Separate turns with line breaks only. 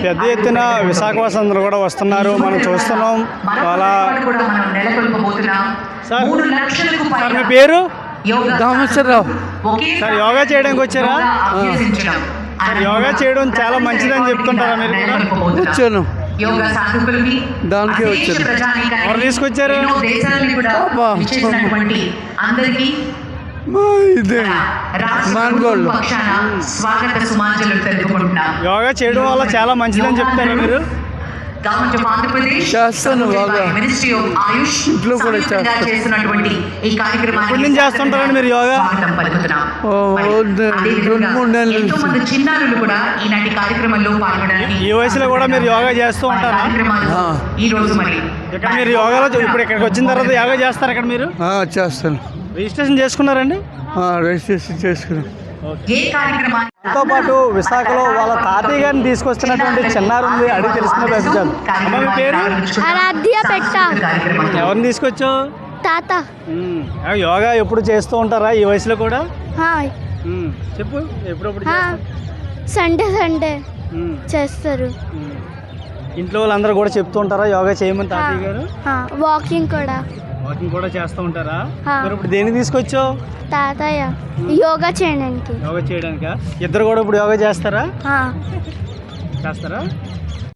పెద్ద ఎత్తున విశాఖవాసులందరూ కూడా వస్తున్నారు, మనం చూస్తున్నాం. చాలా సార్ మీ పేరు?
దామేశ్వరరావు.
సార్ యోగా చేయడానికి వచ్చారా? సార్ యోగా చేయడం చాలా మంచిదని చెప్తుంటారా మీరు కూడా?
వచ్చాను, దానికే వచ్చాను.
ఎవరు తీసుకొచ్చారు?
ఇదే మానగోళ్ళు.
యోగా చేయడం వల్ల చాలా మంచిదని చెప్తారా మీరు?
చేస్తాను బాగా, ఇంట్లో కూడా చేస్తాను.
ఎప్పటి నుంచి చేస్తుంటారండి మీరు యోగా?
2-3 నెలలు.
ఈ వయసులో కూడా మీరు యోగా చేస్తూ ఉంటారా? ఇక్కడ మీరు యోగాలో ఇప్పుడు ఇక్కడికి వచ్చిన తర్వాత యోగా చేస్తారు ఇక్కడ మీరు?
చేస్తాను.
రిజిస్ట్రేషన్ చేసుకున్నారండి?
రిజిస్ట్రేషన్ చేసుకున్నాను.
తో పాటు విశాఖలో వాళ్ళ తాతయ్య గారిని తీసుకొస్తున్నటువంటి చిన్నారి ఉంది, అడిగి తెలుసుకున్న ప్రశ్నించాలి. అమ్మ మీ పేరు? ఎవరిని తీసుకొచ్చావు?
తాత.
యోగా ఎప్పుడు చేస్తూ ఉంటారా ఈ వయసులో కూడా? చెప్పు, ఎప్పుడప్పుడు
సండే చేస్తారు.
ఇంట్లో వాళ్ళందరూ కూడా చెప్తూ ఉంటారా యోగా చేయమని తాతయ్య గారు?
వాకింగ్
కూడా చేస్తూ ఉంటారా? మరి ఇప్పుడు దేనికి తీసుకొచ్చావు?
తాతయ్య యోగా చేయడానికి.
యోగా చేయడానికా? ఇద్దరు కూడా ఇప్పుడు యోగా చేస్తారా?